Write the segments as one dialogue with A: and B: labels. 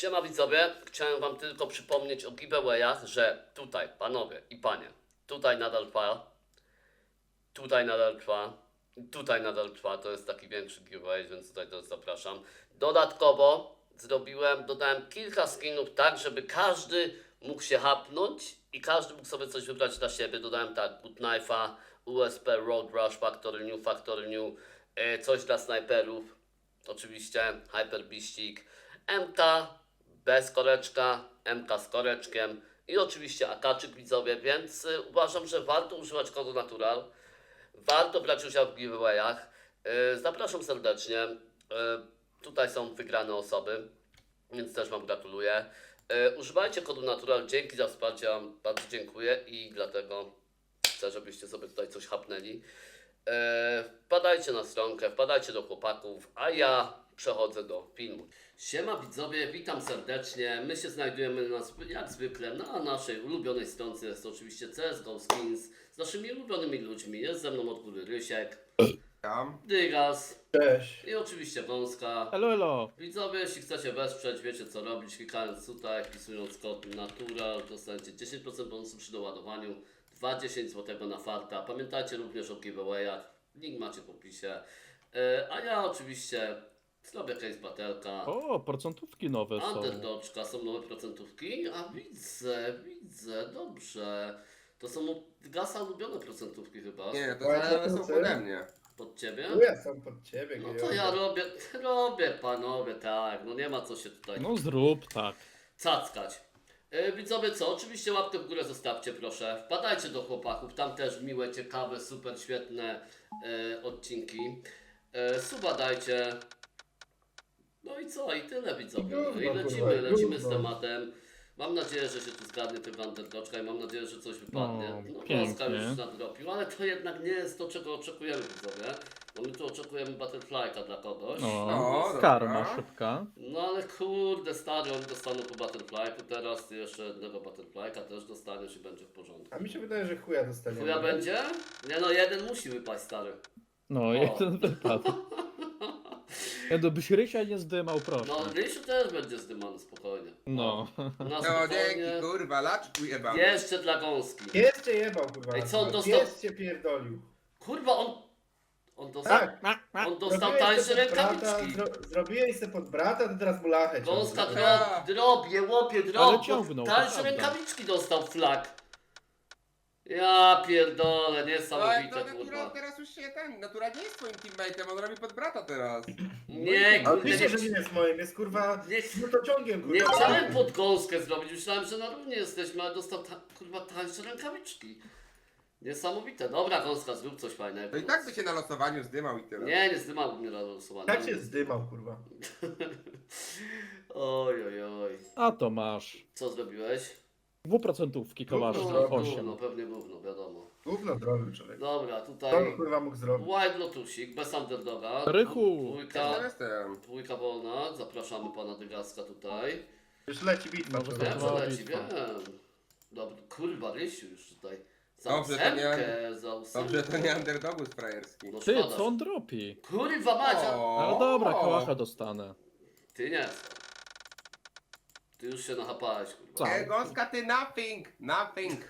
A: Siema widzowie, chciałem wam tylko przypomnieć o giveawayach, że tutaj, panowie i panie, tutaj nadal trwa, tutaj nadal trwa, tutaj nadal trwa, to jest taki większy giveaway, więc tutaj też zapraszam. Dodatkowo dodałem kilka skinów tak, żeby każdy mógł się hapnąć i każdy mógł sobie coś wybrać dla siebie. Dodałem tak, Good Knife'a, USP, Road Rush, Factory New, coś dla snajperów, oczywiście, Hyper Beastik, MK bez koreczka, MK z koreczkiem i oczywiście akaczyk widzowie, więc uważam, że warto używać kodu Natural, warto brać udział w giveawayach. Zapraszam serdecznie, tutaj są wygrane osoby, więc też wam gratuluję. Używajcie kodu Natural, dzięki za wsparcie, wam bardzo dziękuję i dlatego chcę, żebyście sobie tutaj coś hapnęli. Wpadajcie na stronkę, wpadajcie do chłopaków, a ja przechodzę do filmu. Siema widzowie, witam serdecznie. My się znajdujemy jak zwykle na naszej ulubionej stronce. Jest to oczywiście CSGO Skins z naszymi ulubionymi ludźmi. Jest ze mną od góry Rysiek, Dygas
B: Cześć.
A: i oczywiście Wąska.
C: Elo, elo.
A: Widzowie, jeśli chcecie wesprzeć, wiecie co robić. Klikając tutaj, wpisując kod Natural, dostaniecie 10% bonusu przy doładowaniu, 20 zł na farta. Pamiętajcie również o giveawayach, link macie w opisie. A ja oczywiście zrobię case batelka.
C: O, procentówki nowe są.
A: Underdoczka, są nowe procentówki, a widzę, dobrze. To są u Gasa ulubione procentówki chyba.
D: Nie, to
B: Właśnie
D: zależy są
B: chcę.
D: pode mnie.
A: Pod ciebie?
B: Tu jestem pod ciebie,
A: No to
B: gejowy.
A: ja robię panowie, tak, no nie ma co się tutaj
C: No zrób tak.
A: cackać. Widzowie co, oczywiście łapkę w górę zostawcie proszę, wpadajcie do chłopaków, tam też miłe, ciekawe, super świetne odcinki. Suba dajcie. No i co, i tyle widzowie. No i
B: Gówno,
A: lecimy z
B: gówno.
A: tematem. Mam nadzieję, że się tu zgadnie tego underdoczka i mam nadzieję, że coś wypadnie.
C: No,
A: No
C: pięknie.
A: Polska już nadrobił, ale to jednak nie jest to, czego oczekujemy widzowie. Bo my tu oczekujemy Butterfly'ka dla kogoś.
C: No,
D: No,
C: karma
D: dobra.
C: szybka.
A: No ale kurde, stary, oni dostaną po Butterfly'ku teraz, ty jeszcze jednego Butterfly'ka też dostaniesz i będzie w porządku.
B: A mi się wydaje, że chuja dostaniemy.
A: Chuja będzie? Nie no, jeden musi wypaść, stary.
C: No, jeden wypadł. Ja to byś Rysia nie zdymał, proszę.
A: No, Rysiu też będzie zdymany, spokojnie.
C: No.
A: Na
D: No
A: spokojnie.
D: dzięki, kurwa, laczku jebam.
A: Jeszcze dla gąski.
B: Pies cię jebał, kurwa.
A: Ej, co on dostał?
B: Pies cię pierdolił.
A: Kurwa, on dostał,
B: Tak.
A: on dostał
B: Zrobiłeś
A: tańsze
B: se pod brata,
A: rękawiczki.
B: Zrobiłeś se pod brata, to teraz mu lachę
A: Gąska
B: ciągnie.
A: drobie, łopie,
C: Ale
A: drop.
C: ciągnął, to
A: Tańsze
C: prawda.
A: rękawiczki dostał flag. Ja pierdolę,
D: No ale
A: niesamowite
D: to Natura
A: kurwa.
D: teraz już się Natura nie jest twoim teammate'em, on robi pod brata teraz.
A: Nie,
B: Ale
A: kurde,
B: wiecie,
A: nie,
B: że nie jest moim, jest kurwa
A: nie,
B: smutociągiem, kurwa.
A: nie chciałem pod gąskę zrobić, myślałem, że na równie jesteśmy, ale dostał kurwa tańsze rękawiczki. Niesamowite. Dobra, gąska, zrób coś fajnego.
D: To i tak by się na losowaniu zdymał i tyle.
A: Nie zdymałbym mnie na losowanie.
B: Tak się zdymał, kurwa.
A: Oj, oj, oj.
C: A to masz.
A: Co zrobiłeś?
C: Dwuprocentówki kołasz
B: Gówno,
C: za
B: gówno.
C: 8.
A: No pewnie gówno, wiadomo.
B: Gówno zrobił człowiek.
A: Dobra,
B: Co on,
A: tutaj
B: kurwa, mógł zrobić?
A: Wild Lotusik, bez underdoga.
C: Rychu.
D: Ja jestem.
A: Dwójka wolna, zapraszamy pana Dygaska tutaj.
B: Już leci bitwa.
C: Może
B: człowiek.
A: Wiem,
C: to
A: że
C: była
A: leci,
C: bitwa.
A: wiem. Dobra, kurwa, Rysiu już tutaj. Za
D: Dobrze, to nie-
A: ósemkę, za ósemkę.
D: Dobrze, to nie underdogus frajerski.
A: No
C: Ty,
A: szkoda,
C: co on dropi?
A: Kurwa Macia!
C: No dobra, kołacha dostanę.
A: Ty nie. Ty już się nachapałeś, kurwa.
C: Co?
D: Gąska, ty nothing.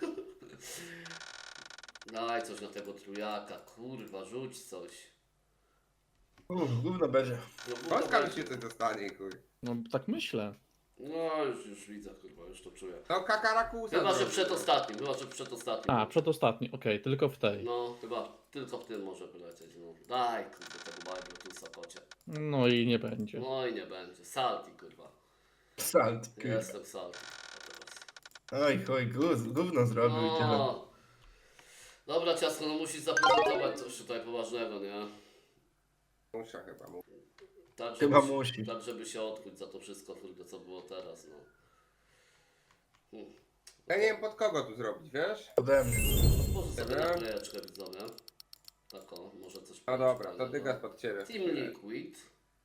A: Daj coś na tego trójaka, kurwa, rzuć coś.
B: Gówno będzie.
A: No,
D: Gąska już się coś dostanie, chuj.
C: No tak myślę.
A: no już widzę, kurwa, już to czuję.
D: To kakarakusa.
A: Chyba, że
D: zrobi.
A: przedostatnim.
C: A, przedostatni, okej, tylko w tej.
A: No, chyba tylko w tym może wylecieć, no. Daj, kurwa, tego Bajbrutusa, kocie.
C: No i nie będzie.
A: No i nie będzie. Salty, kurwa.
B: Salt, kurwa.
A: Jestem salty. A teraz.
B: Oj, chuj, gówno zrobił i tyle.
A: No. Dobra, ciasko, no musisz zaprezentować coś tutaj poważnego, nie?
D: Musia chyba mu.
A: Tak,
B: Chyba
A: żeby,
B: musi.
A: tak, żeby się odkuć za to wszystko, kurde, co było teraz, no.
D: Ja nie wiem pod kogo tu zrobić, wiesz?
B: Ode mnie.
A: Może sobie
D: Dobra.
A: naklejeczkę widzowie. Tak o, może coś
D: No dobra, to
A: fajnego.
D: dygas pod ciebie.
A: Team Liquid.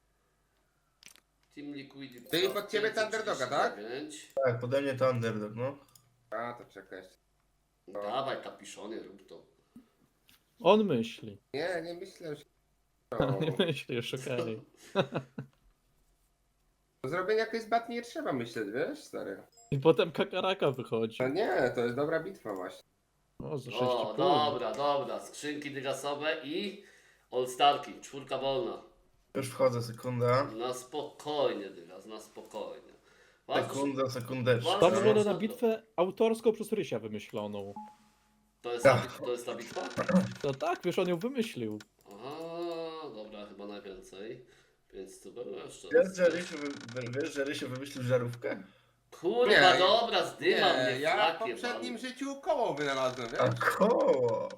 A: Team Liquid.
D: Czyli pod ciebie to underdoga, tak?
A: 539.
B: Tak, pode mnie to underdog, no.
D: A, to czekaj.
A: Dawaj kapiszonie, rób to.
C: On myśli.
D: Nie myślę, że...
C: Nie myślisz, okej.
D: Do zrobienia jakiejś zbatni nie trzeba myśleć, wiesz, stary.
C: I potem kakaraka wychodzi.
D: No nie, to jest dobra bitwa właśnie.
C: O, za 6,5.
A: O, dobra. Skrzynki dygasowe i All-Starki. 4 wolna.
B: Już wchodzę, sekunda.
A: Na spokojnie, dygas, na spokojnie. Ważne,
B: Sekunda, sekundeczka.
C: Ta
A: Ważne,
C: wygląda
A: że-
C: na bitwę autorską przez Rysia wymyśloną.
A: to jest ta bitwa?
C: To tak, wiesz, on ją wymyślił.
A: Aha, dobra, chyba najwięcej. Więc to było jeszcze.
B: Wiesz, że Rysiu wymyślił żarówkę?
A: Kurwa,
D: Nie,
A: dobra, zdyma
D: Nie,
A: mnie,
D: ja w
A: flakie,
D: poprzednim
A: pan.
D: życiu koło wynalazłem,
B: A
D: wiesz?
B: koło!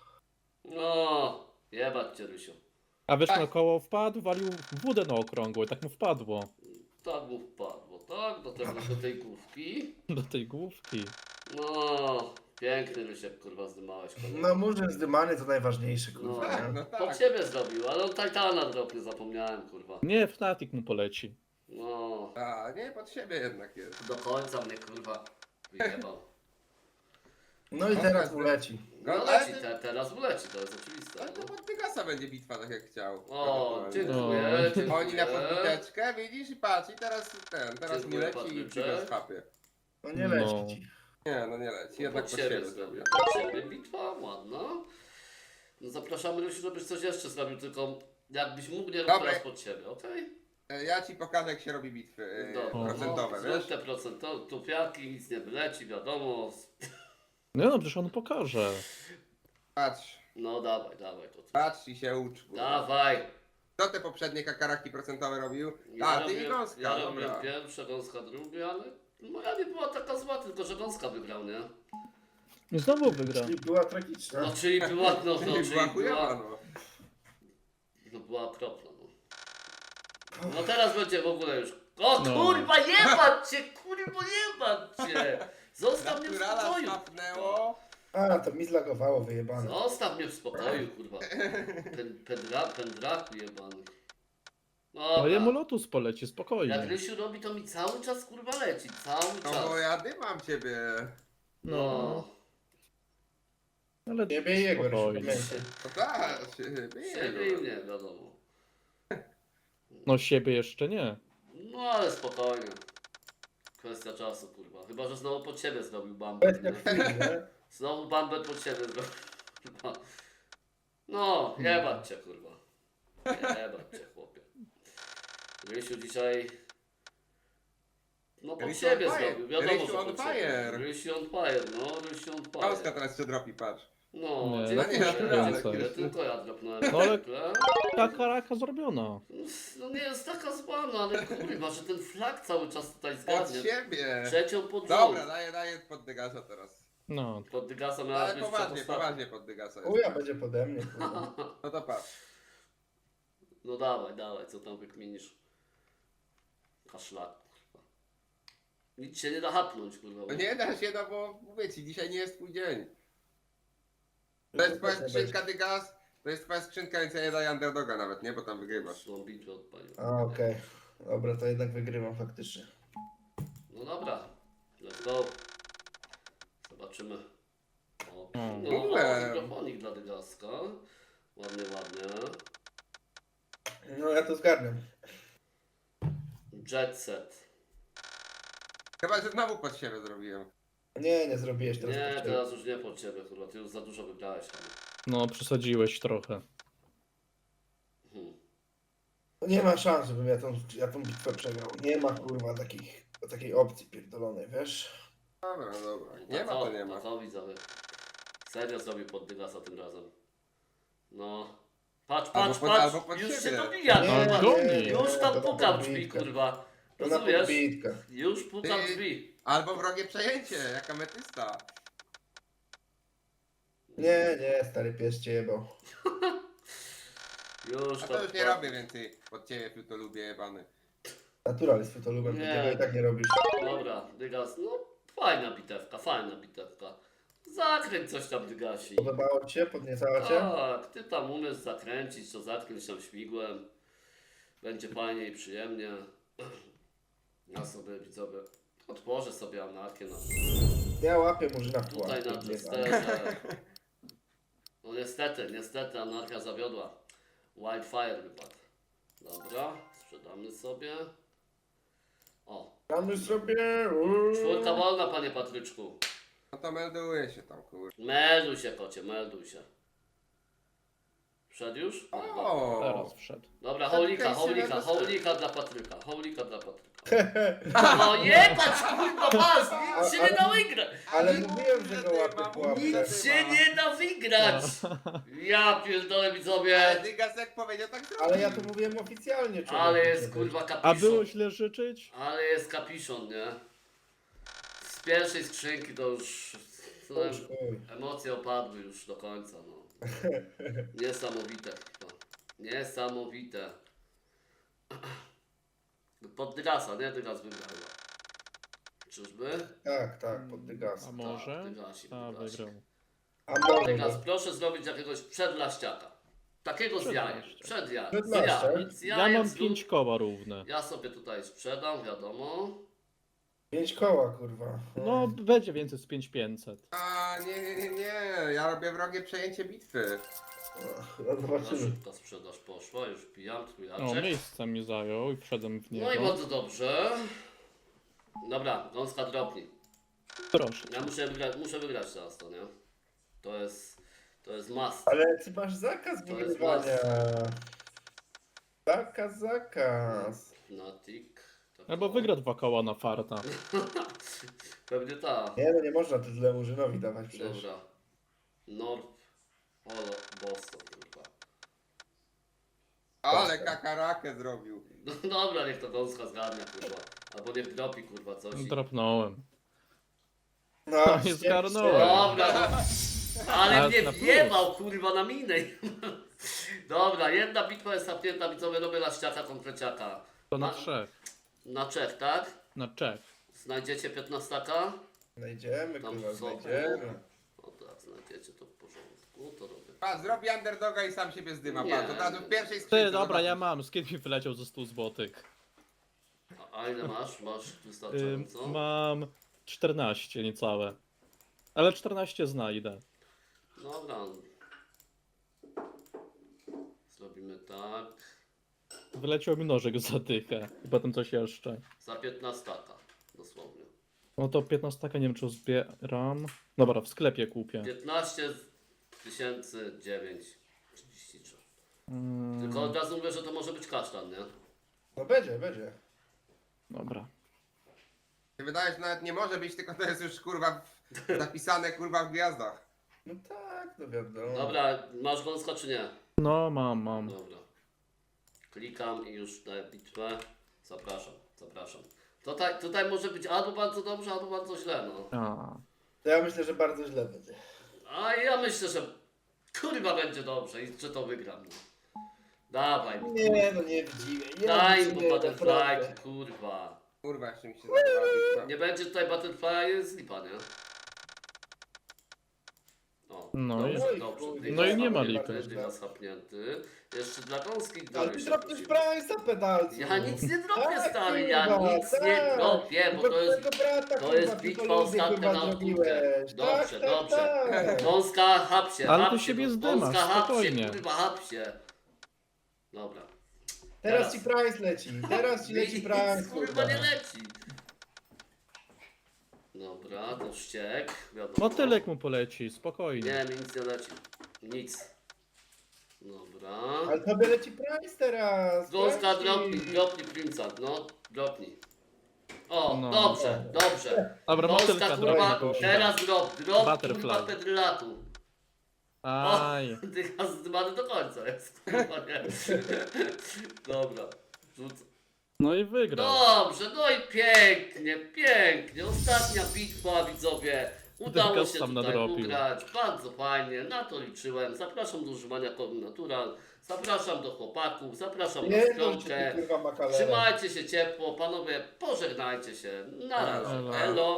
A: No, jebać cię, Rysiu.
C: A wiesz,
D: Tak.
C: na koło wpadł, walił w wódę na okrągło i tak mu wpadło.
A: Tak mu wpadło, tak? Do tej główki.
C: Do tej główki.
A: No, piękny Rysiek, kurwa, zdymałeś. Kurwa.
B: No murzyn zdymany to najważniejsze,
A: No,
B: kurwa,
D: Tak,
B: nie?
D: no
A: po
D: tak.
A: ciebie zrobił, ale on Titana dropnie, zapomniałem, kurwa.
C: Nie, Fnatic mu poleci.
A: No,
D: A, nie, pod siebie jednak jest.
A: do końca mnie, kurwa, wyjebał.
B: No i teraz uleci.
A: No
D: No,
A: leci,
D: ale-
A: teraz uleci, to jest oczywiste.
D: Ale to
A: No.
D: pod Dygasa będzie bitwa, tak jak chciał.
A: O, dziękuję,
C: No.
A: dziękuję.
D: Oni na podbiteczkę, widzisz, i patrz, i teraz teraz mi
A: Dziękuję,
D: leci i
A: Patrycze.
D: Dygasa skapie.
B: No nie
C: No.
B: leci ci.
D: Nie, no nie leci, jednak pod siebie zrobię.
A: Pod siebie bitwa, ładna. No zapraszamy, Rysiu, żebyś coś jeszcze zrobił, tylko jakbyś mógł, nie rób
D: Dobra.
A: teraz pod siebie, okej?
D: Ja ci pokażę, jak się robi bitwy procentowe,
A: Zrób
D: wiesz?
A: te procentowe, tupiaki, nic nie wyleci, wiadomo.
C: No, przecież on pokaże.
D: Patrz,
A: No dawaj to.
D: patrz i się ucz. kurwa.
A: Dawaj.
D: Kto te poprzednie kakaraki procentowe robił?
A: Ja
D: A, ty i
A: robię-
D: Gąska,
A: Ja
D: dobra.
A: robię pierwsze, Gąska drugie, ale moja nie była taka zła, tylko że Gąska wygrał, nie?
C: I znowu wygra.
B: Czyli była tragiczna.
A: No czyli była,
D: Była chujowa, no.
A: No była okropna, no. No teraz będzie w ogóle już. O
C: No.
A: kurwa, jebać cię, kurwa, jebać cię! Zostaw mnie w
D: Naturala
A: spokoju.
D: snapnęło.
B: A, to mi zlagowało, wyjebane.
A: Zostaw mnie w spokoju, kurwa. Pendraku jebany.
C: No jemu
A: Dobra.
C: Lotus poleci,
A: Jak
C: spokojnie.
A: Rysiu robi, to mi cały czas kurwa leci, cały
D: No
A: czas.
D: bo ja dymam ciebie.
C: No, ale
B: Ciebie i jego, Rysiu,
C: spokojnie.
B: pamiętaj.
D: No tak,
A: Siebie i mnie, wiadomo.
C: No siebie jeszcze nie.
A: No ale spokojnie. Kwestia czasu, kurwa. Chyba, że znowu pod siebie zrobił bambet,
B: Kwestia
A: nie?
B: chwili, nie?
A: Znowu bambet pod siebie zrobił. Kurwa. No, jebać cię, kurwa. Jebać cię, chłopie. Rysiu dzisiaj... No pod
D: Rysiu
A: siebie
D: on fire.
A: zrobił, wiadomo,
D: Rysiu
A: że
D: on
A: pod
D: fire.
A: siebie. Rysiu on fire, no, Rysiu on
D: Gąska
A: fire.
D: teraz się dropi, patrz.
A: No,
C: Nie,
A: dziękuję,
D: naturalne.
A: dziękuję, tylko ja dropnąłem.
C: No ale-
A: zwykle.
C: Kakaraka zrobiona.
A: No nie jest taka zła, no ale kurwa, że ten flag cały czas tutaj
D: Pod
A: zgadnie.
D: siebie.
A: Trzecią pod
D: Dobra,
A: rząd.
D: daję pod Dygasa teraz.
C: No,
A: Pod Dygasa miała
D: Ale
A: być
D: poważnie,
A: przedostatnia.
D: poważnie pod Dygasa jest.
B: Uja będzie pode mnie, kurwa.
D: No to patrz.
A: No dawaj, co tam wykminisz? Kaszlak, kurwa. Nic się nie da hapnąć, kurwa.
D: No nie da się, no bo mówię ci, dzisiaj nie jest twój dzień. To jest twoja skrzynka Dygas, to jest twoja skrzynka, więc ja nie daję underdoga nawet, nie? Bo tam wygrywasz.
A: Tą bitwę odpalił.
B: A, okej. Dobra, to jednak wygrywam faktycznie.
A: No dobra, let's go. Zobaczymy. O,
C: Mm.
A: no,
D: W ogóle.
A: mikrofonik dla Dygaska. Ładnie, ładnie.
B: No ja to zgarniam.
A: Jet set.
D: Chyba, że znowu pod siebie zrobiłem.
B: Nie zrobiłeś teraz.
A: Nie,
B: pod siebie.
A: teraz już nie pod ciebie, kurwa. Ty już za dużo wygrałeś. Ale...
C: no przesadziłeś trochę.
B: No nie ma szans, żebym ja tą bitwę przegrał. Nie ma kurwa takiej opcji pierdolonej, wiesz?
D: Dobra, no dobra. Nie ma to nie ma.
A: To widzowie. Serio zrobił pod Dygasa tym razem. No. Patrz,
D: Albo pod
A: już się
D: siebie.
A: dobija,
C: No,
A: kurwa.
C: goni.
A: Już tam
B: to na
A: puka w drzwi,
B: podbitkę.
A: kurwa.
B: To na
A: Rozumiesz?
B: podbitkach.
A: Już puka w
D: Ty-
A: drzwi.
D: Albo wrogie przejęcie, jak ametysta.
B: Nie, stary pies cię jebał.
A: Już
D: A
A: tam
D: to już nie
A: puka.
D: robię więcej pod ciebie, tu to lubię jebany.
B: Naturalistwo to lubię,
A: Nie.
B: tego i tak nie robisz.
A: Dobra, Dygas, no fajna bitewka, fajna bitewka. Zakręć coś tam, Dygasi.
B: Podobało ci się? Podniecało cię?
A: Tak, ty tam umiesz zakręcić, to zakręć tam śmigłem. Będzie fajnie i przyjemnie. Ja sobie, widzowie, otworzę sobie anarchię na...
B: Ja łapię murzyna w
A: Tutaj
B: pułapkę.
A: na Jesterze. No niestety anarchia zawiodła. Wildfire wypadł. Dobra, sprzedamy sobie. O,
B: Gramy sobie.
A: czwórka wolna, panie Patryczku.
D: No to melduje się tam, kurwa.
A: Melduj się, kocie, melduj się. Wszedł już?
D: O!
C: Teraz wszedł.
A: Dobra,
D: Tak,
A: hołlika,
D: okej,
A: hołlika,
D: sobie
A: hołlika dla Patryka, hołlika dla Patryka. No jebać, kurwa, pas, nic się nie da wygrać.
B: Ale
D: Nie
B: mówiłem,
D: mów,
B: że
D: że
B: go
D: ty
B: łapie
D: ma,
B: pułapkę.
A: Nic się nie da wygrać. Ja pierdolę
D: Ale
A: widzowie.
D: Dygas jak powiedział, tak zrobił.
B: Ale ja to mówiłem oficjalnie, człowieku.
A: Ale jest kurwa
C: A
A: kapiszon.
C: było źle życzyć?
A: Ale jest kapiszon, nie? Z pierwszej skrzynki to już...
B: Chuj.
A: Emocje opadły już do końca, no. Niesamowite chyba. Niesamowite. Pod Dygasa, nie? Dygas wygrał chyba. Czyżby?
B: Tak, pod
C: A
B: Dygasa.
C: może?
A: Dygasik,
C: A,
A: Dygasik.
C: wygrał.
B: A może.
A: Dygas, proszę zrobić jakiegoś przedlaściaka. Takiego z jajem.
C: Przedlaściak.
A: Przed jajem. Z
B: Przedlaściak?
A: jajem. Z
C: Ja
A: jajem
C: mam
A: z
C: 5 koła równe.
A: Ja sobie tutaj sprzedam, wiadomo.
B: 5 koła, kurwa.
C: No, będzie więcej z 5500.
D: A, nie. Ja robię wrogie przejęcie bitwy.
B: No,
A: Na
B: zobaczymy.
A: szybko sprzedaż poszła, już pijam
C: O,
A: trójaczek.
C: miejsce mi zajął i wszedłem w
A: No i
C: niego.
A: bardzo dobrze. Dobra, gąska dropnij.
C: Proszę.
A: Ja muszę wygrać teraz to, nie? To jest must.
B: Ale ty masz zakaz
A: To jest
B: wygrywania. Zakaz.
A: Fnatic. Tak
C: Albo
A: o.
C: wygra 2 koła na farta.
A: Pewnie ta.
B: Nie, no nie można tyle Murzynowi dawać przecież.
A: Dobra. North Polo Boston, kurwa.
D: Ale kakarakę zrobił.
A: No dobra, niech to gąska zgarnia, kurwa. Albo niech dropi, kurwa, coś.
C: Dropnąłem.
B: No,
C: nie zgarnąłem.
A: Dobra, no. Ale
C: Ale
A: mnie
C: na plus.
A: wjebał, kurwa, na minę. Dobra, jedna bitwa jest zamknięta, widzowie, robię laściaka, konkreciaka.
C: To na
A: Na-
C: 3.
A: Na Czech, tak?
C: Na Czech.
A: Znajdziecie 15?
B: Znajdziemy,
A: Tam
B: kurwa,
A: są.
B: znajdziemy.
A: O tak, znajdziecie to w porządku, to robię.
D: Pa, zrobi underdoga i sam siebie zdyma.
A: Nie.
D: Pa, to od razu w pierwszej
C: Ty,
D: skrzynce.
C: dobra, ja
D: zobaczysz.
C: mam. Z kiedy mi wyleciał ze 100 złotych?
A: A ile masz? Masz wystarczająco?
C: Mam 14 niecałe. Ale 14 znajdę.
A: Dobra. Zrobimy tak.
C: Wyleciał mi nożek za dychę. I potem coś jeszcze.
A: Za 15, dosłownie.
C: No to 15 nie wiem czy zbieram. Dobra, w sklepie kupię.
A: 15 933.
C: Mm,
A: Tylko od razu mówię, że to może być kasztan, nie?
B: No będzie.
C: Dobra.
D: Się wydaje, że nawet nie może być, tylko to jest już kurwa zapisane kurwa w gwiazdach.
B: No tak, no wiadomo.
A: Dobra, masz gąska czy nie?
C: No, mam.
A: Dobra. Klikam i już daję bitwę. Zapraszam. Tutaj może być albo bardzo dobrze, albo bardzo źle, no.
C: A.
B: To ja myślę, że bardzo źle będzie.
A: A ja myślę, że kurwa będzie dobrze i że to wygram, no. Dawaj.
B: Nie, no nie widzimy. Nie
A: Daj
B: widzimy,
A: mu butterfly,
B: naprawdę.
A: kurwa.
D: Kurwa, jeszcze mi się zadawała bitwa.
A: Nie będzie tutaj butterfly, jest lipa, nie? O,
C: No
A: dobrze,
B: i-
A: dobrze.
B: no
C: i nie ma
A: Dygas
C: lipy.
A: Dygas hapnięty. Jeszcze dla gąski
B: Ale
A: dalej
B: ty
A: się
B: dropniesz
A: prosimy.
B: Price'a pedalcu.
A: Ja nic nie dropię,
B: Tak,
A: stary, ja
B: kurwa,
A: nic nie
B: tak.
A: dropię, bo to jest...
B: Twojego brata,
A: to
B: kurwa,
A: jest
B: tylko
A: bitwa
B: ludzie,
A: ostatnia
B: kurwa,
A: na
B: zrobiłeś.
A: Dobrze,
B: Tak,
A: dobrze.
B: tak.
A: Gąska, hap się,
C: Ale
A: hap
C: ty
A: się,
C: siebie
A: no.
C: zdymasz,
A: Gąska, hap się,
C: spokojnie.
A: kurwa, hap się. Dobra.
B: Teraz ci Price leci. Teraz ci leci
A: Nic,
B: Price,
A: kurwa, nie leci. Dobra, to wściek, wiadomo.
C: Motylek mu poleci, spokojnie.
A: Nie, mi nic nie leci. Nic. Dobra.
B: Ale tobie leci Price teraz.
A: Gąska,
B: Price.
A: dropnij Prince'a, no, dropnij. O,
C: No.
A: dobrze, dobrze.
C: Dobra,
A: Gąska,
C: motylka
A: kurwa,
C: drogi.
A: teraz drop,
C: Butterfly.
A: kurwa, pedylatu.
C: Aj.
A: Dycha zdymany do końca jest, kurwa, nie. Dobra, rzucę.
C: No i wygrał.
A: Dobrze, no i pięknie. Ostatnia bitwa, widzowie. Udało
C: Dygas
A: się
C: sam
A: tutaj
C: nadrobił.
A: ugrać. Bardzo fajnie, na to liczyłem. Zapraszam do używania kodu Natural. Zapraszam do chłopaków, zapraszam na
B: Nie, no,
A: stronkę.
B: kurwa, makalera.
A: Trzymajcie się ciepło, panowie, pożegnajcie się. Na razie.
C: Elo.
A: Elo.